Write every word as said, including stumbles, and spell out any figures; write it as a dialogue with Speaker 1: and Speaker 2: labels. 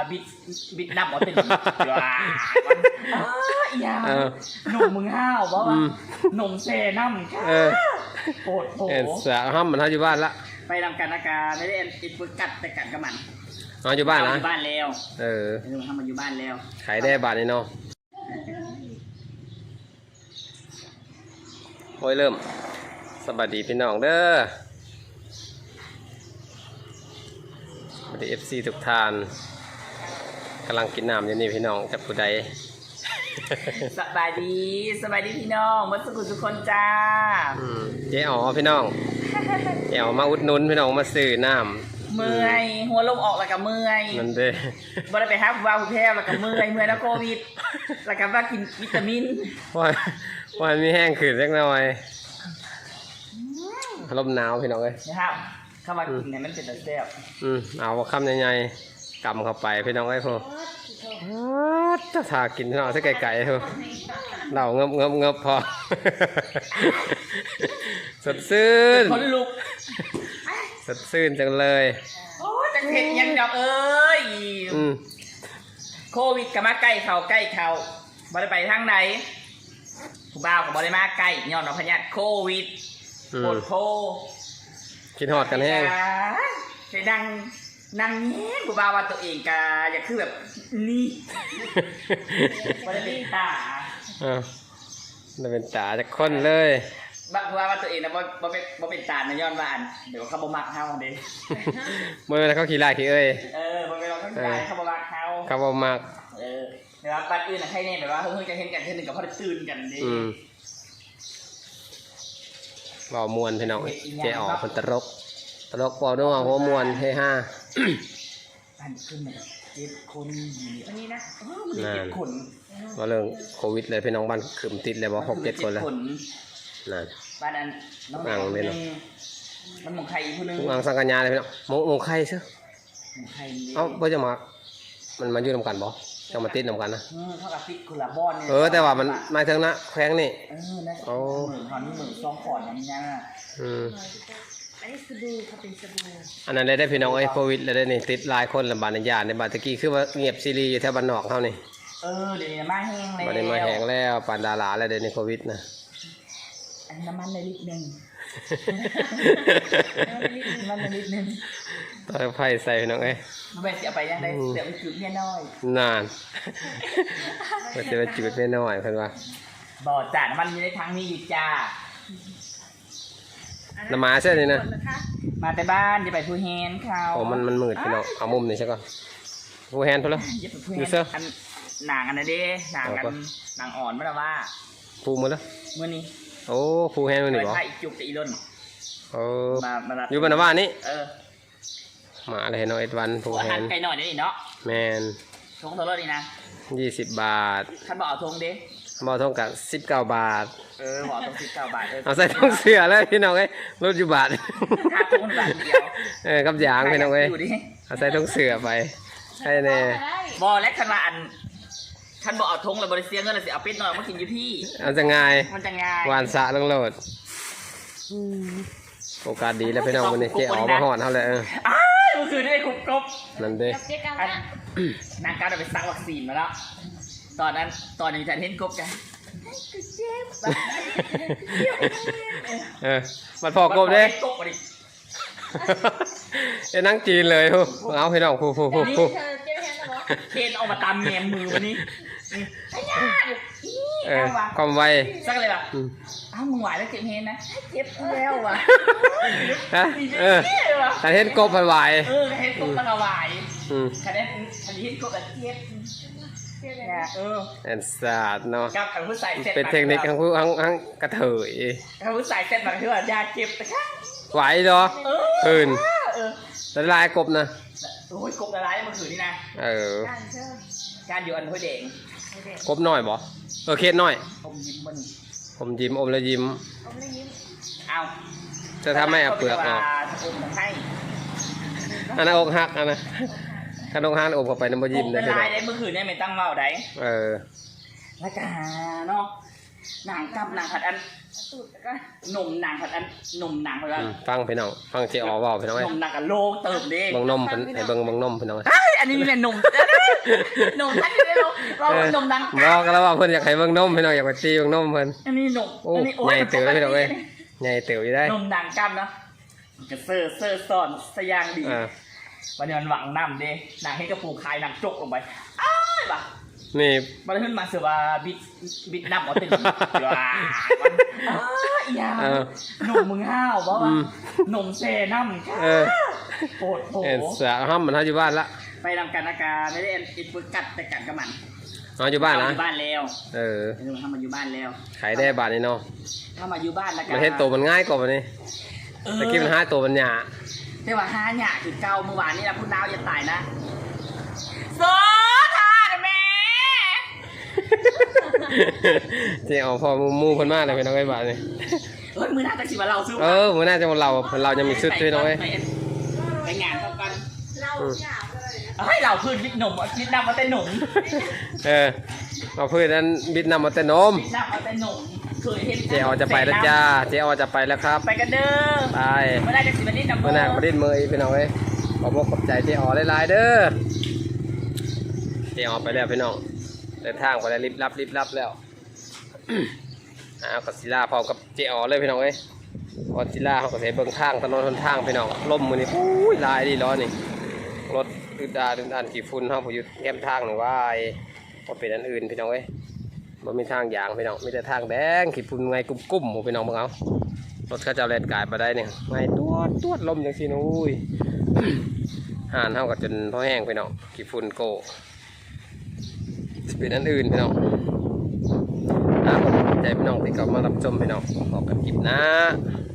Speaker 1: บิดบิดนับหมดเป็นว้าอย่าหนุ่มมึงห้าวบ่วะหนุ่มเซน้ำค่ะโคตรโหด
Speaker 2: เสียห้ามมันเขาอยู่บ้านละ
Speaker 1: ไปทำการอาการไม่ได้เอ็นอิดปึกกัดแต่กัดกับมัน
Speaker 2: อ๋ออยู่บ้านนะ
Speaker 1: อยู่บ้านแล้ว
Speaker 2: เออ
Speaker 1: หนุ่มทำมาอยู่บ้านแล้ว
Speaker 2: ขายได้บาทนี่เนาะโอ้ยเริ่มสวัสดีพี่น้องเด้อสวัสดีเอฟซีทุกท่านกำลังกินน้ำอยู่นี่พี่น้องกับผู้ใด
Speaker 1: สบายดีสบายดีพี่น้องวัดสุขุทุกคนจ้า
Speaker 2: เจ๊อ๋อพี่น้องเจ๊อ๋อมาอุดหนุนพี่น้องมาซื้อน้
Speaker 1: ำเมื่อยหัวลมออกแล้วก็เมื่อย
Speaker 2: นั่นเด้
Speaker 1: บ่ได้ไปหาผู้ว่าผู้แพ้แล้วก็เมื่อยเมื่อยแล้วโควิดแล้วก็ว่ากินวิตามิน
Speaker 2: ว่าว่ามีแห้งขึ้นเล็กน้อยลมหนาวพี่น้องเลย
Speaker 1: นะครับเข้ามากินเนี่ยมันเป็นแต่แซ่บ
Speaker 2: อืมเอาคำใหญ่ๆกำเข้าไปพี่น้องไอ้พวกจะทากินพี่น้องใส่ไก่ๆเถอะเราเงบเงบเงบพอสดชื่น
Speaker 1: คนลุก
Speaker 2: สดชื่นจังเลย
Speaker 1: โอ้จังเห็ดยังดอกเอ้ยโควิดกับมาใกล้เขาใกล้เขาบ่ได้ไปทางไหนผู้บ่าวกับบ่ได้มาใกล้ย้อนเอาพยาธิโควิดปวดโพ
Speaker 2: กินหอดกันแห้ง
Speaker 1: ใช้ดังนั่งเงี้ยผู้บ่าวว่าตัวเองกาอยากคือแบบนี่บ่ได้เป็นตา
Speaker 2: อ่าได้เป็นตาจากคนเลย
Speaker 1: บักว่าว่าตัวเองนะบ่บ่เป็นบ่เป็นตาในย้อนว่าอันเดี๋ยวเขาบ่มักเฮาเด้
Speaker 2: เมื่อเขาขี่ไล่ขี่เอ้ย
Speaker 1: เออบ่เป็นเราเขาขี่ไล่เขาบ่มักเฮา
Speaker 2: เขาบ่มัก
Speaker 1: เออแต่ว่าบ้านอื่นน่ะให้แน่แบบว่าเฮ้ยจะเห็นกันเทื่อนึงก็พอได้ตื่นกันเด้
Speaker 2: เบามวนพี่น้องเจ๊อ๋อคนตลกตลกเบาด้วยหัวมวนเฮฮา
Speaker 1: อันขึ้นมาเจ็ดคนอันนี้นะเจ็ดคน
Speaker 2: ว่าเรื่องโควิดเลยพี่น้องบ้านขืมติดเลยบอกหกเจ็ดคนแล้วนั่น
Speaker 1: บ้านอันน้องอังเลยมันหมงไข่ผู้นึง
Speaker 2: อังสังกัญญาเลยพี่น้องหมงหมงไข่ใช่เอ้าเพื่อจะมามันมาอยู่นำกันบ่จะมาติดนำกันนะ
Speaker 1: เท่ากับติดคนละบ้อนเนี่ย
Speaker 2: เออแต่ว่ามันมาถึงนะแข้งนี่
Speaker 1: เออนะโอ้เหมือนตอนนี้เหมือนซองขอดอย่างนี้นะ
Speaker 2: อืม
Speaker 1: อันนี้สบู่เขาเป็นสบู่
Speaker 2: อันนั้นเลยได้พี่น้องไอ้โควิดเลยได้นี่ติดหลายคนลำบากในยาในบาตะกี้คือว่าเงียบซีรีอยู่แถวบ้านนอกเท่านี้
Speaker 1: เออเดี๋ยวนี้มาแห้งแล้ว
Speaker 2: บัดนี้มาแห้งแล้วปานดาราแล้วเดี๋ยวนี้โควิดนะ
Speaker 1: อันน้ำมันเลยลิตรหนึ่งน้ำมันเลยลิตรหนึ่ง
Speaker 2: ต่อไฟใส่พี่น้องเอ้ย
Speaker 1: มาแบบจะไปยังไงเดี๋ยวไปจุดเมียน้อย
Speaker 2: นานก็จะไปจุดเมียน้อยเพิ่นว่า
Speaker 1: บ่จ่าน้ำมันอยู่ในทางนี้อยู่จ้า
Speaker 2: น้ำมาใช่ไหมนะ
Speaker 1: มาแต่บ้านจะไปพูแฮนเขา
Speaker 2: โอ้มันมันมืดพี่น้องเอามุมนี่ใช่ก่อนพูแฮนทุกแล้ว
Speaker 1: ดูเสื้อหนังอันนั้นดิหนังกันหนังอ่อนไม่ละว่า
Speaker 2: พูหมดแล้ว
Speaker 1: เมื่อนี้
Speaker 2: โอ้พูแฮนมื่อนี้บ่
Speaker 1: ไปอีกจุกกับอีล่น
Speaker 2: โอ้อยู่บ้านบ้านนี้
Speaker 1: เออ
Speaker 2: มาเลยเนาะเอ็ดวันพูแฮน
Speaker 1: ไก่หน่อยนี่เนาะ
Speaker 2: แมน
Speaker 1: ทงเท่าไหร่นี่นะ
Speaker 2: ยี่สิบบาท
Speaker 1: ท่านบอกเอาทงดิ
Speaker 2: บอกทงกับสิบเก้าบาท
Speaker 1: เออบอกทงสิบเก้าบาท
Speaker 2: เอาใส่ทงเสือแล้วพี่น้องเอ้ยรถอยู่บาท
Speaker 1: ค่าทงบาทเดียว
Speaker 2: เออกับยางพี่น้องเอ้ยเอาใส่ทงเสือไปใช่แน่
Speaker 1: บอกและขนาดท่านบอกเอาทงแล้วบริเซียเงินเลยสิเอาเป็ดหน่อยมากินอยู่พี่
Speaker 2: เอาจะง่าย
Speaker 1: มันจะง่ายว
Speaker 2: านสะลงโหลดโอกาสดีแล้วพี่น้องวันนี้เจ๊อ๋อมาหอดเท่าไหร่เออ
Speaker 1: อ้าวมันคือได้คุบกบ
Speaker 2: นั่นเด้
Speaker 1: นางการเอาไปซักวัคซีนมาแล้วตอนนั้นตอนนี้ฉันเห็นกบกัน
Speaker 2: เออมันพอกบเด้ไอ้นั่งจีนเลยฮู้เอาพี่น้องฮู้ฮู้ฮู้ฮู้
Speaker 1: เคนเอามาตามแงมมือวันนี้
Speaker 2: เออความไว
Speaker 1: สักเลยแบบอ้าวมึงไหวแล้วเจ็บเฮนนะเจ็บแล้วว่ะ
Speaker 2: ฮะเออแต่เห็นกบไหว
Speaker 1: เออเห็นกบมันไหวคะแนนคะแนนเห็นกบแบบเจ็บเออ
Speaker 2: แอนซาดเนาะ
Speaker 1: กับผู้ใส่เซ็ต
Speaker 2: เป็นเทคนิคของผู้ทั้งทั้งกระเถย
Speaker 1: กับผู้ใส่เซ็ตบางทีว่ายาเจ็บแต่ค่ะ
Speaker 2: ไหวเหรอคืนแต่ลายกบนะ
Speaker 1: โอ้ยกบละลายเมื่อคืนนี่นะ
Speaker 2: เออ
Speaker 1: การอยู่อันห้วยแดง
Speaker 2: กบน้อยบ่เออเคสน้อย
Speaker 1: อมยิ้มมัน
Speaker 2: ผมยิ้มอมแล้วยิ้ม
Speaker 1: อมแล้วยิ้มเอา
Speaker 2: จะทำให้เอาเปลือกออกอันนั้นอกหักอันนั้นขนมฮันอบเข้าไปน้ำมันยิ้ม
Speaker 1: ได้เลยได้เมื่อคืนเนี่ยไม่ตั้งเมาได้
Speaker 2: เออ
Speaker 1: แล้วก็เนาะนางกำนางผัดอัน
Speaker 3: ตูดแล้วก็
Speaker 1: หนุ่มนางผัดอันหนุ่มนางผัดอัน
Speaker 2: อืมฟังพี่น้องฟังเจออเว้าพี่น้อง
Speaker 1: ห
Speaker 2: เอ้ย
Speaker 1: นุ่มนางกับโลเติมเด้
Speaker 2: เบิ่งนมเพิ่นให้เบิ่งเบิ่งนมพี่น้องเอ้ย
Speaker 1: เฮ้ยอันนี้มีแต่หนุ่มหนุ่มท่านนี้ไม่รู้เราหนุ่มนาง
Speaker 2: บอกกันแล้วว่าเพิ่นอยากให้เบิ่งนมพี่น้องอยากไปตีเบิ่งนมเพิ่น
Speaker 1: อันนี้หนุ่ม
Speaker 2: โอ้
Speaker 1: อันนี้โอ้
Speaker 2: ใหญ่เต๋อเลยพี่น้องเอ้ยใหญ่เต๋ออยู่ได้
Speaker 1: หนุ่มนางกำเนาะกระเซอร์เซอร์ซ่อนสยางดี
Speaker 2: อ่า
Speaker 1: วันนี้มันหวังน้ำเด้นางให้กระปูคายนางจกลงไปอ้ายบ่ะ
Speaker 2: นี่
Speaker 1: มันขึ้นมาเสือว่าบิดบิดน้ำเอาเต็มว้าอ้ายอีหยา
Speaker 2: เออ
Speaker 1: หนุ่มมึงห้าวบ่
Speaker 2: อื
Speaker 1: วะ
Speaker 2: ม
Speaker 1: หนุ่มเซน้ำ
Speaker 2: เออ
Speaker 1: โหดโห
Speaker 2: เอ็นสาห้ามมันเฮาอยู่บ้านละ
Speaker 1: ไปทำการอากาไม่ได้เอ็นอินฟกัดแต่กัดกับมัน
Speaker 2: เฮาอยู่บ้านนะ
Speaker 1: อยู่บ้านแล้ว
Speaker 2: เออ
Speaker 1: เออทำมาอยู่บ้านแล้ว
Speaker 2: ขายได้บาทนี่เนาะ
Speaker 1: ถ้ามาอยู่บ้านแล้วกั
Speaker 2: มันเฮ็ดตัวมันง่ายกว่าบัดนี้
Speaker 1: เออ
Speaker 2: ตะกี้มันหาตัวมันหยา
Speaker 1: แต่ว่าห้าหยาคือเก่าเมื่อวานนี้นะพูดดาวอย่าตายนะโซทาเด้อแม่
Speaker 2: เจ๊เอาพอหมู่เพิ่นมาแล้วพี่น้องเอ้ยบาดนี้
Speaker 1: เฮ้ยมือหน้าจะสิมาเราซื้อ
Speaker 2: เออมื้อหน้าจะเราเรายังมีชุดพี่น้องเอ้ย
Speaker 1: ไปไปงานเท่ากัน
Speaker 3: เราหยาบเลยนะ
Speaker 1: ให้เราพื้นวิกหนุ่มวิกน้ำมาแต่หนุ่ม
Speaker 2: เออเอาเพื่อนนั้นบิดนำมาแต่นม
Speaker 1: วิกน้ำมาแต่หนุ่มเคยเห็น
Speaker 2: เจ๊ออจะไปแล้วจ้าเจ๊ออจะไปแล้วครับ
Speaker 1: ไปกันเด้อ
Speaker 2: ไป
Speaker 1: ไม่ได้จะสิมาดิ้นน้ำ
Speaker 2: มื่อหน้าประเด็นมืออีกพี่น้องเอ้ยขอบอกขอบใจเจ๊ออหลายๆเด้อเจ๊ออไปแล้วพี่น้องเดินทางไปแล้วรีบรับรีบรับแล้ว อ้าวกัสิลาพร้อมกับเจ๊ออเลยพี่น้องเอ้ยกัสิลาเขาก็เสียเบิ่งทางถนนหนทางพี่น้องล่มมือนี่อุ้ยลายดีร้อนนี่รถอึดดาดึนดันกี่ฝุ่นเขาผมอยู่แก้มทางหนึ่งว่าไอ้ว่าเป็นอันอื่นพี่น้องเอ้ยมันมีทางยางพี่น้องมีแต่ทางแดงขีดฝุ่นไงกุ้มๆหมู่พี่น้องมึงเอารถเขาจะเอาแลนกายมาได้เนี่ยไงตัวตัวลมอย่างสินุ้ย ห่านเท่ากับจนพ่อแห้งพี่น้องขีดฝุ่นโกสิเป็นอันอื่นพี่น้องนะผมใจพี่น้องที่กลับมารับชมพี่น้องขอกันคลิปนะ